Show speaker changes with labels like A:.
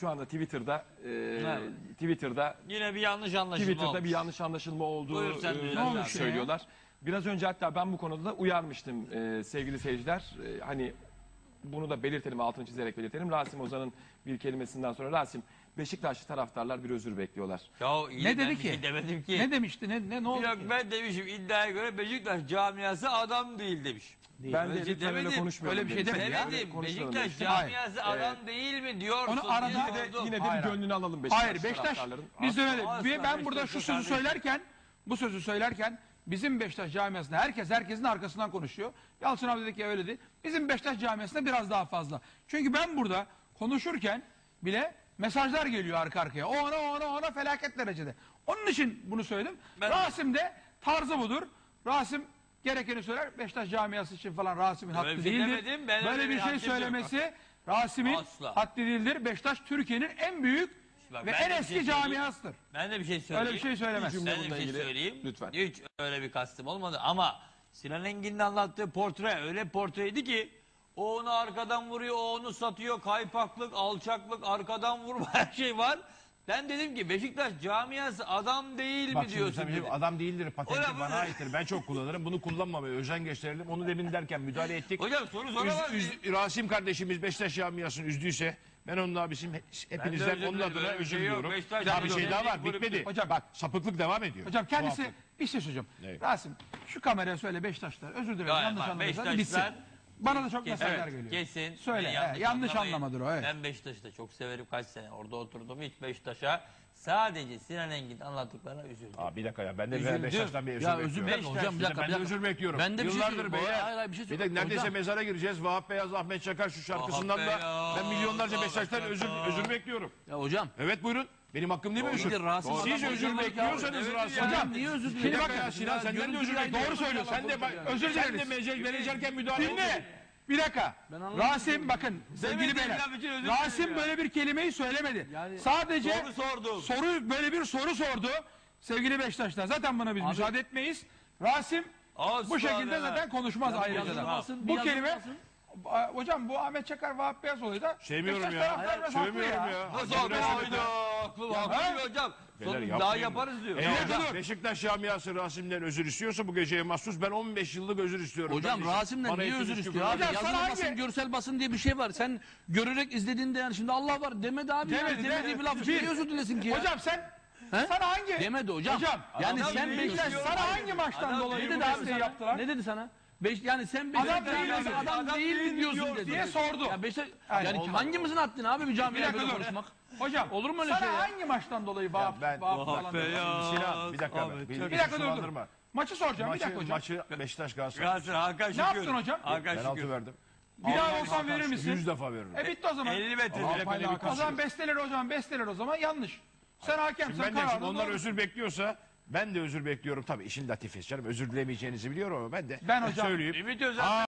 A: şu anda Twitter'da
B: Yine bir yanlış anlaşılma olmuş.
A: bir yanlış anlaşılma olduğu
B: Buyur sen düzelt.
A: söylüyorlar. Biraz önce hatta ben bu konuda da uyarmıştım sevgili seyirciler. Hani bunu da belirtelim, altını çizerek belirtelim. Rasim Ozan'ın bir kelimesinden sonra Rasim, Beşiktaşlı taraftarlar bir özür bekliyorlar.
B: Ya iyi,
C: Ne dedi
B: ben
C: ki?
B: bir şey demedim ki.
C: Ne demişti? Ne oldu
B: Yok
C: ki?
B: ben demişim, iddiaya göre Beşiktaş camiası adam değil demiş.
A: Ben de
B: Öyle şey
A: lütfen öyle
B: demedim.
A: konuşmayalım.
C: Öyle bir şey
A: dedim.
C: demedim ya.
B: Demedim.
A: Konuşmayalım
B: Beşiktaş
A: dedim.
B: camiası adam değil mi diyorsun?
C: Onu arada-
B: diye
A: Yine de
C: Hayır,
A: gönlünü alalım Beşiktaş
C: Hayır Beşiktaş
A: taraftarların.
C: biz de öyle.
B: Asla
C: Ben burada şu
B: Beşiktaş
C: sözü söylerken bizim Beşiktaş camiasında herkesin arkasından konuşuyor. Yalçın abi dedi ki öyle değil. Bizim Beşiktaş camiasında biraz daha fazla. Çünkü ben burada konuşurken bile mesajlar geliyor arka arkaya. O ona felaket derecede. Onun için bunu söyledim. Rasim de tarzı budur. Rasim gerekeni söyler. Beşiktaş camiası için falan Rasim'in
B: Öyle
C: hakkı
B: bir şey
C: değildir.
B: demedim, ben öyle
C: Böyle
B: bir
C: bir şey
B: haddim yok.
C: söylemesi Rasim'in
B: Asla.
C: haddi değildir. Beşiktaş Türkiye'nin en büyük
B: Bak,
C: ve
B: ben
C: en
B: de bir
C: eski
B: şey söyleyeyim.
C: camiasıdır.
B: Ben de bir şey söyleyeyim.
C: Öyle bir şey söylemez.
A: cümle
B: Ben de bir
A: bununla
B: şey
A: ilgili.
B: söyleyeyim.
A: Lütfen.
B: Hiç öyle bir kastım olmadı ama Sinan Engin'in anlattığı portre öyle portreydi ki o onu arkadan vuruyor, o onu satıyor, kaypaklık, alçaklık, arkadan vurma her şey var. Ben dedim ki Beşiktaş camiası adam değil
D: Bak
B: mi
D: şimdi
B: diyorsun
D: sen
B: dedim.
D: adam değildir, patenti
B: Hocam,
D: bana aittir. Ben çok kullanırım. Bunu kullanmamaya özen gösterelim. Onu demin derken müdahale ettik.
B: Hocam soru soramaz mıyım?
D: Rasim kardeşimiz Beşiktaş camiasını üzdüyse ben onun abisiyim. Hepinizden
B: özür
D: onun
B: dilerim.
D: adına
B: Öyle bir
D: özür
B: şey yok.
D: diliyorum.
B: Beşiktaş
D: Bir şey daha var.
B: kulüptür.
D: Bitmedi.
C: Hocam-
D: Bak sapıklık devam ediyor.
C: Hocam kendisi
D: Tuhaflık.
C: bir şey söyleyeceğim.
D: Evet.
C: Rasim şu kameraya söyle Beşiktaşlar özür dilerim
B: Ya,
C: yanlış
B: bak,
C: anlamışlar
B: Beşiktaşlar-
C: bitsin. Bana da çok
B: Kesin,
C: mesajlar geliyor.
B: Kesin.
C: Söyle,
B: Beni
C: yanlış
B: anlamayın.
C: anlamadır o, evet.
B: Ben Beşiktaş'ı da çok severim, kaç sene orada oturdum, hiç Beşiktaş'a sadece Sinan Engin anlattıklarına üzüldüm.
D: Aa, bir dakika ya. Ben de
B: Üzüldüm.
D: Beşiktaş'tan bir özür
E: Ya
D: bekliyorum.
E: özür dilerim hocam, bir dakika.
D: Ben de özür bekliyorum.
E: Ben de bir şey
D: Yıllardır
E: söyleyeyim.
D: beyler.
E: Hayır, hayır, bir şey
D: Bir de
E: söyleyeyim.
D: neredeyse
E: Hocam-
D: mezara gireceğiz. Vahap Beyaz, Ahmet Çakar şu şarkısından da
B: Beyaz,
D: ben milyonlarca Beşiktaş'tan
B: Ahmet
D: özür bekliyorum.
E: Ya hocam.
D: Evet buyurun. Benim hakkım değil mi özür?
E: Bir de Rasim
D: Siz
E: adam
D: özür
E: hocam
D: bekliyorsanız
B: ya.
D: Rasim.
B: Evet ya.
E: Hocam niye özür
D: Bir
E: dilerim?
D: dakika ya Sinan senden de özür bekliyorum.
C: Doğru söylüyorsun.
D: Sen de bak,
C: Özür
D: sen de
C: dileriz.
D: menajerken müdahale
C: Dinle.
D: oldu.
C: Bir dakika. Rasim bakın sevgili
B: Demedim,
C: beyler.
B: laf için özür
C: Rasim
B: dilerim ya.
C: böyle bir kelimeyi söylemedi.
E: Yani-
C: Sadece
B: Soru sordum.
C: böyle bir soru sordu. Sevgili Beşiktaşlar zaten buna biz müsaade etmeyiz. Rasim
B: Asla
C: bu şekilde
B: ya.
C: zaten konuşmaz ayrıca da.
E: yazılmasın,
C: Bu
E: bir
C: kelime
E: yazılmasın.
C: hocam bu Ahmet Çakar Vahap Beyaz olayı da
D: Sevmiyorum
C: Beşiktaş
D: ya.
C: taraftarı biraz haklı
D: Sevmiyorum ya.
B: Nasıl
D: Haklı
B: oldu?
D: resmen.
B: Hayda. Haklı
C: ha?
B: hocam.
D: Beyler,
B: Sonra
D: yapmayın
B: daha
D: bunu.
B: yaparız diyor.
D: Eğer Beşiktaş camiası Rasim'den özür istiyorsa bu geceye mahsus ben 15 yıllık özür istiyorum.
E: Hocam
D: kardeşim.
E: Rasim'den
D: Bana
E: niye
D: hepiniz
E: özür
D: küfür
E: istiyor abi?
C: Hocam sana
E: Yazılı basın,
C: hangi-
E: görsel basın diye bir şey var. Sen görerek izlediğinde yani şimdi Allah var demedi abi.
C: Demedi,
E: Demediği bir laf için
C: Bir-
E: niye özür dilesin ki ya?
C: Hocam sen
E: He?
C: sana hangi
E: Demedi hocam. Yani
B: Adam
E: sen
B: değil
E: Beşiktaş
B: diyor.
C: sana hangi maçtan
B: Adam
C: dolayı
E: ne
C: bu
E: dedi abi
C: desteği
E: sana?
C: yaptılar?
E: Ne dedi sana? Yani sen
C: Adam
E: Beşiktaş
C: değil
E: camiası
C: dedi.
E: adam
B: Adam
E: değil
B: değil
E: diyorsun
B: diyor
E: dedi.
C: diye sordu.
E: Ya Beşiktaş,
C: Yani
E: yani
C: olmaz.
E: hangimizin haddini abi bir
C: Bir
E: camiye
C: dakika
E: böyle
C: dur.
E: konuşmak?
C: Hocam
E: Olur mu öyle
C: sana
E: şey ya?
C: hangi maçtan dolayı Vahap
D: ben-
C: falan
B: Be
C: diyorsun?
B: ya.
D: Sinan bir dakika.
B: Ahmet
D: Bir
B: Çakar.
C: Bir dakika dur dur.
D: sulandırma.
C: Maçı soracağım bir dakika hocam.
D: Maçı Beşiktaş Galatasaray.
B: Galatasaray Hakan Şükür.
C: yaptın hocam?
B: Hakan
D: Ben altı
B: Şükür.
D: verdim.
C: Bir daha olsan verir misin?
D: 100 defa veririm.
C: Bitti o zaman.
B: 50 metre.
D: Allah payla bir
C: O zaman besteler o zaman yanlış. Sen hakemsen
D: Ben de şimdi
C: kararını
D: onlar
C: doğru.
D: özür bekliyorsa ben de özür bekliyorum. Tabii işin latifesi canım. Özür dilemeyeceğinizi biliyorum ama ben de
C: Ben hocam-
D: söyleyeyim.
B: Ümit Özen